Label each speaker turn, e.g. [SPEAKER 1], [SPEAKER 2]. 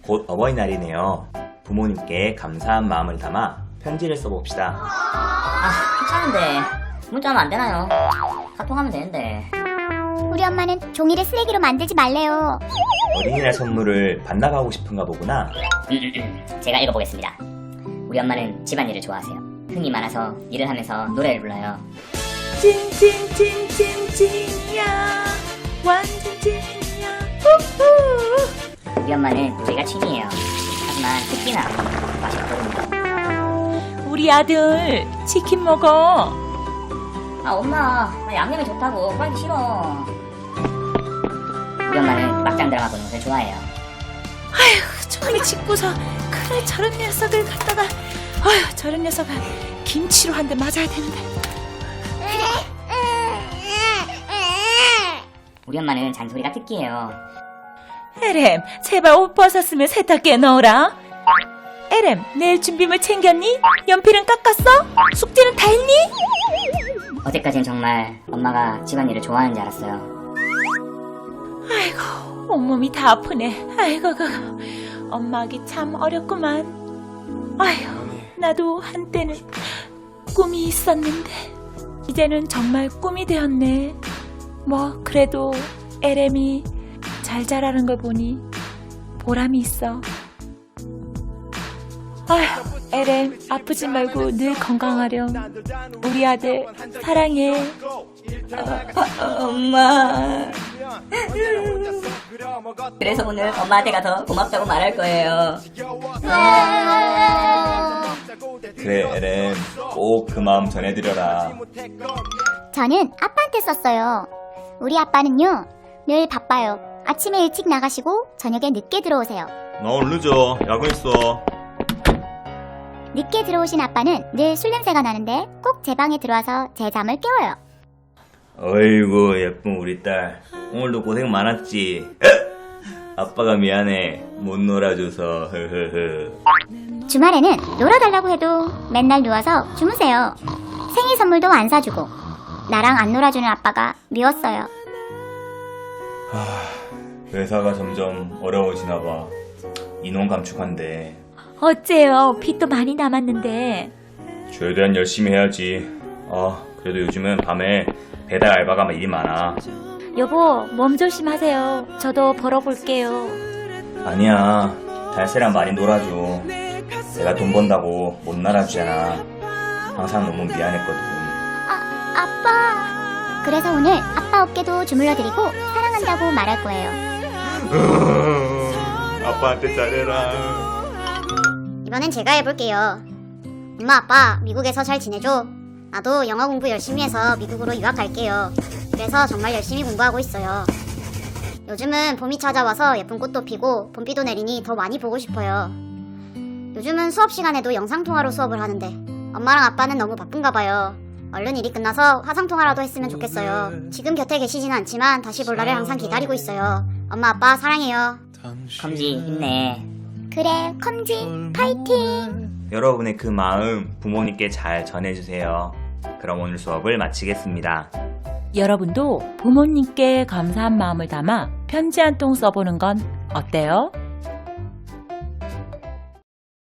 [SPEAKER 1] 곧 어버이날이네요. 부모님께 감사한 마음을 담아 편지를 써봅시다.
[SPEAKER 2] 귀찮은데 문자하면 안 되나요? 카톡하면 되는데.
[SPEAKER 3] 우리 엄마는 종이를 쓰레기로 만들지 말래요.
[SPEAKER 1] 어린이날 선물을 반납하고 싶은가 보구나.
[SPEAKER 2] 제가 읽어보겠습니다. 우리 엄마는 집안일을 좋아하세요. 흥이 많아서 일을 하면서 노래를 불러요.
[SPEAKER 4] 찐찐찐찐찐이야 완전 찐이야 후후.
[SPEAKER 2] 우리 엄마는 요리가 취미예요. 하지만 특히나 맛있거든요.
[SPEAKER 4] 우리 아들 치킨 먹어.
[SPEAKER 2] 엄마, 나 양념이 좋다고 하기 싫어. 우리 엄마는 막장 드라마 보는 것을 좋아해요.
[SPEAKER 4] 저놈이 짓고서 그래 저런 녀석을 갖다가 저런 녀석을 김치로 한 대 맞아야 되는데.
[SPEAKER 2] 우리 엄마는 잔소리가 특기예요.
[SPEAKER 4] 에렘 제발 옷 벗었으면 세탁기에 넣어라. 에렘 내일 준비물 챙겼니? 연필은 깎았어? 숙제는 다 했니?
[SPEAKER 2] 어제까진 정말 엄마가 집안일을 좋아하는 줄 알았어요.
[SPEAKER 4] 아이고 온몸이 다 아프네. 아이고 엄마 하기 참 어렵구만. 아휴 나도 한때는 꿈이 있었는데 이제는 정말 꿈이 되었네. 뭐 그래도 에렘이 잘 자라는 걸 보니 보람이 있어. 아휴 에렘 아프지 말고 늘 건강하렴. 우리 아들 사랑해.
[SPEAKER 2] 엄마. 그래서 오늘 엄마한테 가서 고맙다고 말할 거예요.
[SPEAKER 1] 그래 에렘, 꼭 그 마음 전해드려라.
[SPEAKER 3] 저는 아빠한테 썼어요. 우리 아빠는요, 늘 바빠요. 아침에 일찍 나가시고 저녁에 늦게 들어오세요.
[SPEAKER 1] 나 오늘 늦어. 야근 있어.
[SPEAKER 3] 늦게 들어오신 아빠는 늘 술 냄새가 나는데 꼭 제 방에 들어와서 제 잠을 깨워요.
[SPEAKER 1] 어이구 예쁜 우리 딸, 오늘도 고생 많았지. 아빠가 미안해, 못 놀아줘서.
[SPEAKER 3] 주말에는 놀아달라고 해도 맨날 누워서 주무세요. 생일 선물도 안 사주고 나랑 안 놀아주는 아빠가 미웠어요.
[SPEAKER 1] 회사가 점점 어려워지나 봐. 인원 감축한대.
[SPEAKER 4] 어째요? 빚도 많이 남았는데.
[SPEAKER 1] 최대한 열심히 해야지. 그래도 요즘은 밤에 배달 알바가 일이 많아.
[SPEAKER 4] 여보 몸 조심하세요. 저도 벌어볼게요.
[SPEAKER 1] 아니야, 달새랑 많이 놀아줘. 내가 돈 번다고 못 놀아주잖아. 항상 너무 미안했거든.
[SPEAKER 3] 아빠. 그래서 오늘 아빠 어깨도 주물러드리고 사랑한다고 말할 거예요.
[SPEAKER 1] 아빠한테 잘해라.
[SPEAKER 3] 이번엔 제가 해볼게요. 엄마 아빠 미국에서 잘 지내줘. 나도 영어 공부 열심히 해서 미국으로 유학 갈게요. 그래서 정말 열심히 공부하고 있어요. 요즘은 봄이 찾아와서 예쁜 꽃도 피고 봄비도 내리니 더 많이 보고 싶어요. 요즘은 수업 시간에도 영상통화로 수업을 하는데 엄마랑 아빠는 너무 바쁜가 봐요. 얼른 일이 끝나서 화상통화라도 했으면 좋겠어요. 지금 곁에 계시지는 않지만 다시 볼 날을 항상 기다리고 있어요. 엄마 아빠 사랑해요.
[SPEAKER 2] 컴지 힘내.
[SPEAKER 3] 그래 컴지 파이팅.
[SPEAKER 1] 여러분의 그 마음 부모님께 잘 전해주세요. 그럼 오늘 수업을 마치겠습니다.
[SPEAKER 4] 여러분도 부모님께 감사한 마음을 담아 편지 한 통 써보는 건 어때요?